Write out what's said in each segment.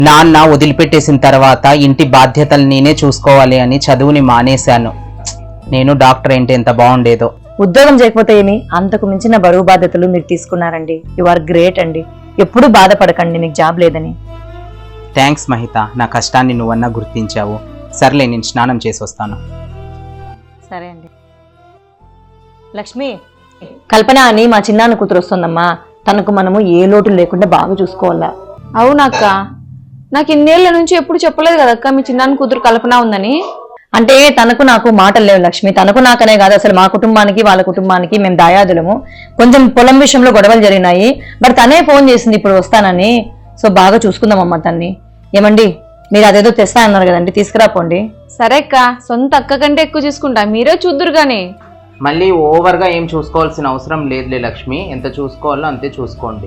నాన్న వదిలిపెట్టేసిన తర్వాత ఇంటి బాధ్యతలు నేనే చూసుకోవాలి అని చదువుని మానేశాను. నేను డాక్టర్ ఏంటి ఎంత బాగుండేదో. ఉద్యోగం చేయకపోతే ఏమి, అంతకు మించిన బరువు బాధ్యతలు మీరు తీసుకున్నారండి. యు ఆర్ గ్రేట్ అండి. ఎప్పుడు బాధపడకండి మీకు జాబ్ లేదని. థ్యాంక్స్ మహిత, నా కష్టాన్ని నువ్వన్నా గుర్తించావు. సర్లే, నేను స్నానం చేసి వస్తాను. సరే అండి. లక్ష్మి, కల్పన అని మా చిన్నాన్న కూతురు వస్తుందమ్మా. తనకు మనము ఏ లోటు లేకుండా బాగా చూసుకోవాలా. అవునక్క, నాకు ఇన్నేళ్ల నుంచి ఎప్పుడు చెప్పలేదు కదక్క మీ చిన్నాన్న కూతురు కల్పన ఉందని. అంటే తనకు నాకు మాటలు లేవు లక్ష్మి. తనకు నాకనే కాదు, అసలు మా కుటుంబానికి వాళ్ళ కుటుంబానికి మేము దాయాదులము. కొంచెం పొలం విషయంలో గొడవలు జరిగినాయి. బట్ తనే ఫోన్ చేసింది ఇప్పుడు వస్తానని. సో బాగా చూసుకుందామమ్మా తన్ని. ఏమండి, మీరు అదేదో తెస్తా అన్నారు కదండి, తీసుకురాపోండి. సరే అక్క, సొంత అక్క కంటే ఎక్కువ చూసుకుంటా, మీరే చూద్దురు గాని. మళ్ళీ ఓవర్గా ఏం చూసుకోవాల్సిన అవసరం లేదులే లక్ష్మి. ఎంత చూసుకోవాలో అంతే చూసుకోండి.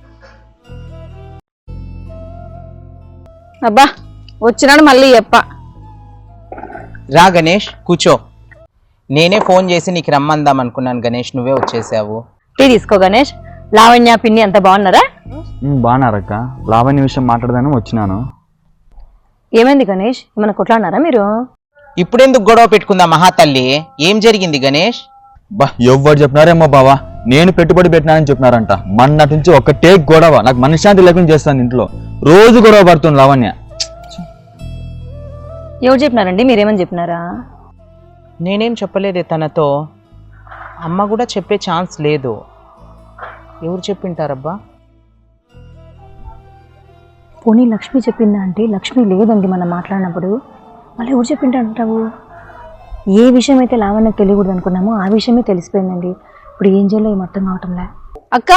అబ్బా, వచ్చినాడు మళ్ళీ చెప్ప. రా గణేష్, కూర్చో. నేనే ఫోన్ చేసి నీకు రమ్మందాం అనుకున్నాను గణేష్, నువ్వే వచ్చేసావు. టీ తీసుకో గణేష్. లావణ్య పిన్ని అంత బాగున్నారా? బాగున్నారక్క. లావణ్య విషయం మాట్లాడదాను వచ్చినాను. ఏమైంది గణేష్, ఏమైనా కొట్లాడినారా మీరు? ఇప్పుడెందుకు గొడవ పెట్టుకుందా మహాతల్లి? ఏం జరిగింది గణేష్? ఎవరు చెప్పినారేమో బావా, నేను పెట్టుబడి పెట్టినానని చెప్పినారంట. మొన్నటి నుంచి ఒకటే గొడవ. నాకు మనశ్శాంతి లేకుండా చేస్తాను. ఇంట్లో రోజు గొడవ పడుతుంది లావణ్య. ఎవరు చెప్పినారండి? మీరేమని చెప్పినారా? నేనేం చెప్పలేదే తనతో. అమ్మ కూడా చెప్పే ఛాన్స్ లేదు. ఎవరు చెప్పింటారబ్బా? పోనీ లక్ష్మి చెప్పిందా? అంటే లక్ష్మి లేదండి మనం మాట్లాడినప్పుడు. మళ్ళీ ఎవరు చెప్పింటారంటావు? ఏ విషయం అయితే లావణ్యకు తెలియకూడదు అనుకున్నామో ఆ విషయమే తెలిసిపోయిందండి. ఇప్పుడు ఏం చేయాలో ఏం అర్థం కావటంలే. అక్క,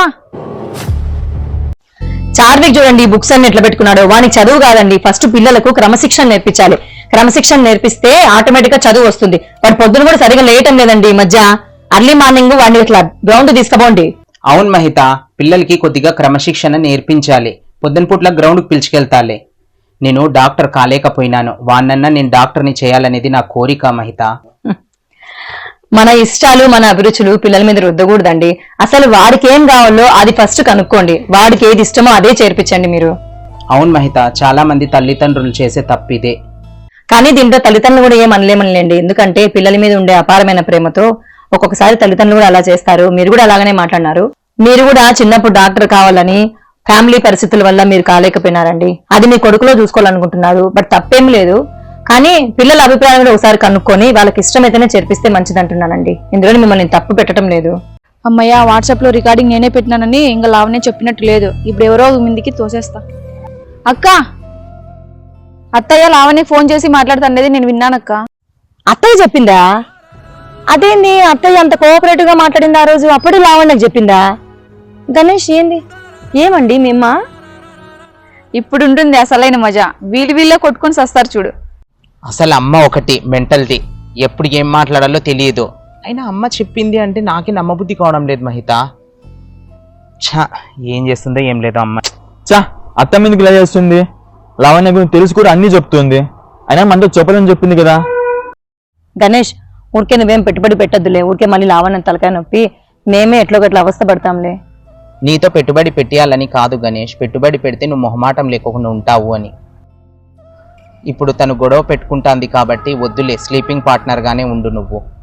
చార్విక్ చూడండి ఈ బుక్స్ అన్ని ఎట్లా పెట్టుకున్నాడు. వానికి చదువు కాదండి, ఫస్ట్ పిల్లలకు క్రమశిక్షణ నేర్పించాలి. క్రమశిక్షణ నేర్పిస్తే ఆటోమేటిక్ గా చదువు వస్తుంది. వాడు పొద్దున కూడా సరిగా లేయటం లేదండి ఈ మధ్య. అర్లీ మార్నింగ్ వాడిని ఇట్లా గ్రౌండ్ తీసుకుపోండి. అవును మహిత, పిల్లలకి కొద్దిగా క్రమశిక్షణ నేర్పించాలి. పొద్దున పూట్ల గ్రౌండ్కి పిలుచుకెళ్తాలే. నేను డాక్టర్ కాలేకపోయినాను, వాన్నన్నా నేను డాక్టర్ని చేయాలనేది నా కోరిక మహిత. మన ఇష్టాలు మన అభిరుచులు పిల్లల మీద రుద్దకూడదండి. అసలు వాడికి ఏం కావాలో అది ఫస్ట్ కనుక్కోండి. వాడికి ఏది ఇష్టమో అదే చేర్పించండి మీరు. అవును మహిత, చాలా మంది తల్లిదండ్రులు చేసే తప్పిదే. కానీ దీంట్లో తల్లిదండ్రులు కూడా ఏం అనలేమనిలేండి. ఎందుకంటే పిల్లల మీద ఉండే అపారమైన ప్రేమతో ఒక్కొక్కసారి తల్లిదండ్రులు కూడా అలా చేస్తారు. మీరు కూడా అలాగనే మాట్లాడినారు. మీరు కూడా చిన్నప్పుడు డాక్టర్ కావాలని ఫ్యామిలీ పరిస్థితుల వల్ల మీరు కాలేకపోయినారండి. అది మీ కొడుకులో చూసుకోవాలనుకుంటున్నారు. బట్ తప్పేం లేదు. కానీ పిల్లల అభిప్రాయం కూడా ఒకసారి కనుక్కొని వాళ్ళకి ఇష్టమైతేనే చేర్పిస్తే మంచిది అంటున్నానండి. ఇందులో మిమ్మల్ని తప్పు పెట్టడం లేదు. అమ్మయ్య, వాట్సాప్ లో రికార్డింగ్ నేనే పెట్టినానని ఇంకా లావనే చెప్పినట్టు లేదు. ఇప్పుడు ఎవరో ముందుకి తోసేస్తా. అక్క, అత్తయ్య లావనే ఫోన్ చేసి మాట్లాడుతున్నది నేను విన్నానక్క. అత్తయ్య చెప్పిందా? అదేంది అత్తయ్య అంత కోఆపరేటివ్ గా మాట్లాడింది ఆ రోజు? అప్పుడు లావణ్యకు చెప్పిందా? గణేష్ ఏంది, ఏమండి మేమ్మ? ఇప్పుడు ఉంటుంది అసలైన మజా. వీళ్ళే కొట్టుకొని సస్తారు చూడు. అసలు అమ్మ ఒకటి మెంటల్ది, ఎప్పుడు ఏం మాట్లాడాలో తెలియదు. అయినా అమ్మ చెప్పింది అంటే నాకే నమ్మబుద్ధి కావడం లేదు మహిత. ఛా, ఏం చేస్తుందో ఏం లేదో అమ్మ. చా, అత్త మీదకి ఇలా చేస్తుంది. లావణ్య గురించి తెలుసు కూడా అన్ని చెప్తుంది. అయినా మనతో చెప్పలేని చెప్పింది కదా. గణేష్, ఊరికే నువ్వేం పెట్టుబడి పెట్టద్దులే. ఊరికే మళ్ళీ లావణ్య తలకాయ నొప్పి మేమే ఎట్లో గట్లా అవస్థ పడతాంలే. నీతో పెట్టుబడి పెట్టాలని కాదు గణేష్, పెట్టుబడి పెడితే నువ్వు మొహమాటం లేకుండా ఉంటావు అని. ఇప్పుడు తను గొడవ పెట్టుకుంటాంది కాబట్టి వద్దులే, స్లీపింగ్ పార్ట్నర్ గానే ఉండు నువ్వు.